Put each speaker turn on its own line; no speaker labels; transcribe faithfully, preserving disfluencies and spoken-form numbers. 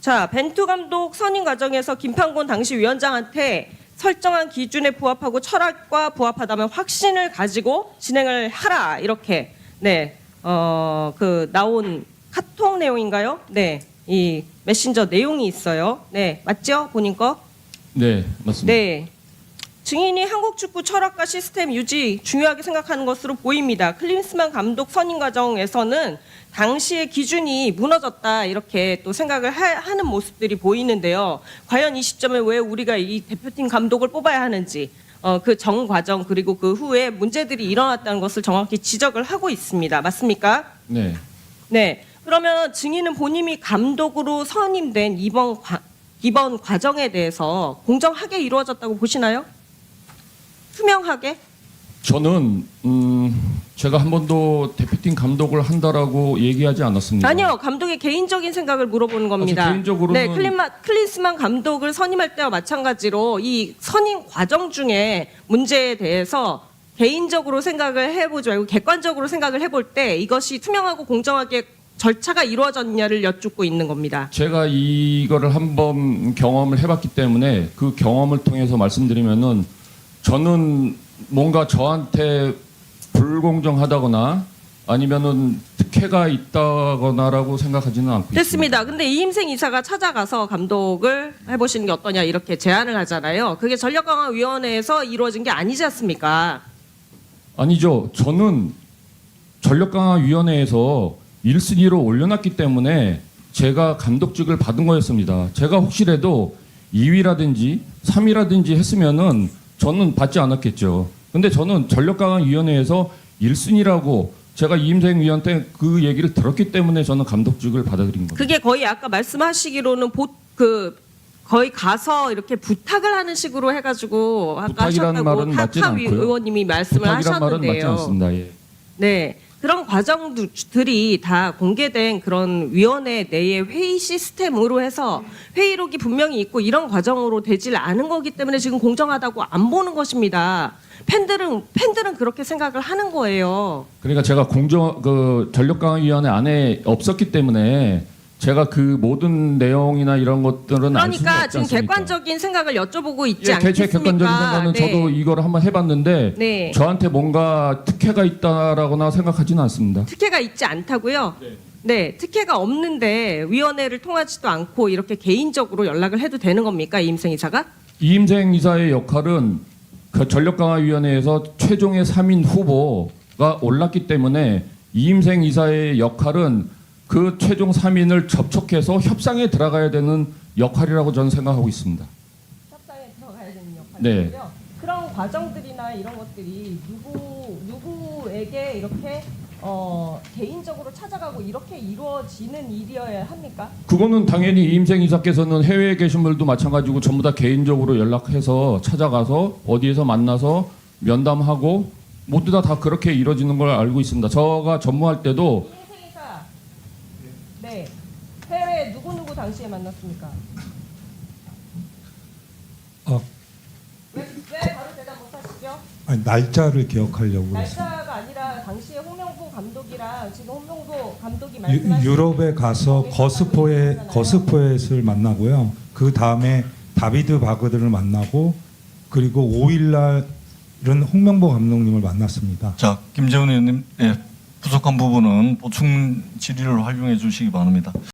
자, 벤투 감독 선임 과정에서 김판곤 당시 위원장한테 설정한 기준에 부합하고 철학과 부합하다면 확신을 가지고 진행을 하라 이렇게 네, 어, 그 나온 카톡 내용인가요? 네, 이 메신저 내용이 있어요. 네, 맞죠? 본인 거?
네, 맞습니다.
네. 증인이 한국 축구 철학과 시스템 유지 중요하게 생각하는 것으로 보입니다. 클린스만 감독 선임 과정에서는 당시의 기준이 무너졌다 이렇게 또 생각을 하, 하는 모습들이 보이는데요. 과연 이 시점에 왜 우리가 이 대표팀 감독을 뽑아야 하는지 어, 그 정 과정 그리고 그 후에 문제들이 일어났다는 것을 정확히 지적을 하고 있습니다. 맞습니까?
네.
네. 그러면 증인은 본인이 감독으로 선임된 이번 과, 이번 과정에 대해서 공정하게 이루어졌다고 보시나요? 투명하게?
저는 음, 제가 한 번도 대표팀 감독을 한다라고 얘기하지 않았습니다.
아니요, 감독의 개인적인 생각을 물어보는 겁니다.
아, 개인적으로는
네, 클린마, 클린스만 감독을 선임할 때와 마찬가지로 이 선임 과정 중에 문제에 대해서 개인적으로 생각을 해보지 말고 객관적으로 생각을 해볼 때 이것이 투명하고 공정하게 절차가 이루어졌냐를 여쭙고 있는 겁니다.
제가 이거를 한번 경험을 해봤기 때문에 그 경험을 통해서 말씀드리면은 저는 뭔가 저한테 불공정하다거나 아니면은 특혜가 있다거나라고 생각하지는 않고 있습니다.
됐습니다. 근데 이임생 이사가 찾아가서 감독을 해보시는 게 어떠냐 이렇게 제안을 하잖아요. 그게 전력강화위원회에서 이루어진 게 아니지 않습니까?
아니죠. 저는 전력강화위원회에서 일 순위로 올려놨기 때문에 제가 감독직을 받은 거였습니다. 제가 혹시라도 이 위라든지 삼 위라든지 했으면은 저는 받지 않았겠죠. 근데 저는 전력강화위원회에서 일 순위라고 제가 이임생 위원한테 그 얘기를 들었기 때문에 저는 감독직을 받아들인 겁니다.
그게 거의 아까 말씀하시기로는 보, 그 거의 가서 이렇게 부탁을 하는 식으로 해가지고 아까
부탁이라는
하셨다고
말은 맞진
하하
않고요.
의원님이 말씀을
부탁이란 말은 맞지
하셨는데요.
않습니다. 예.
네. 그런 과정들이 다 공개된 그런 위원회 내의 회의 시스템으로 해서 회의록이 분명히 있고 이런 과정으로 되질 않은 거기 때문에 지금 공정하다고 안 보는 것입니다. 팬들은 팬들은 그렇게 생각을 하는 거예요.
그러니까 제가 공정 그 전력강화위원회 안에 없었기 때문에 제가 그 모든 내용이나 이런 것들은 알 수는
그러니까
없지
지금
않습니까?
객관적인 생각을 여쭤보고 있지
예,
않겠습니까?
제 객관적인 생각은
네.
저도 이거를 한번 해봤는데
네.
저한테 뭔가 특혜가 있다라거나 생각하지는 않습니다.
특혜가 있지 않다고요?
네.
네, 특혜가 없는데 위원회를 통하지도 않고 이렇게 개인적으로 연락을 해도 되는 겁니까, 이임생 이사가?
이임생 이사의 역할은 그 전력강화위원회에서 최종의 삼 인 후보가 올랐기 때문에 이임생 이사의 역할은 그 최종 삼 인을 접촉해서 협상에 들어가야 되는 역할이라고 저는 생각하고 있습니다.
협상에 들어가야 되는
네.
역할이고요. 그런 과정들이나 이런 것들이 누구 누구에게 이렇게 어, 개인적으로 찾아가고 이렇게 이루어지는 일이어야 합니까?
그거는 당연히 이임생 이사께서는 해외에 계신 분들도 마찬가지고 전부 다 개인적으로 연락해서 찾아가서 어디에서 만나서 면담하고 모두 다, 다 그렇게 이루어지는 걸 알고 있습니다. 저가 전무할 때도
이임생 이사, 네, 해외 누구 누구 당시에 만났습니까?
어,
왜, 왜 바로 대답 못하시죠?
아니, 날짜를 기억하려고 그랬어요.
날짜가 아니라 당시에 홍명보 감독이랑 지금 홍명보 감독이
유,
말씀하신
유럽에 가서 거스포에 거스포엣을 만나고요. 그 다음에 다비드 바그드를 만나고 그리고 오 일 날은 홍명보 감독님을 만났습니다.
자, 김재훈 의원님, 예, 부족한 부분은 보충 질의를 활용해 주시기 바랍니다.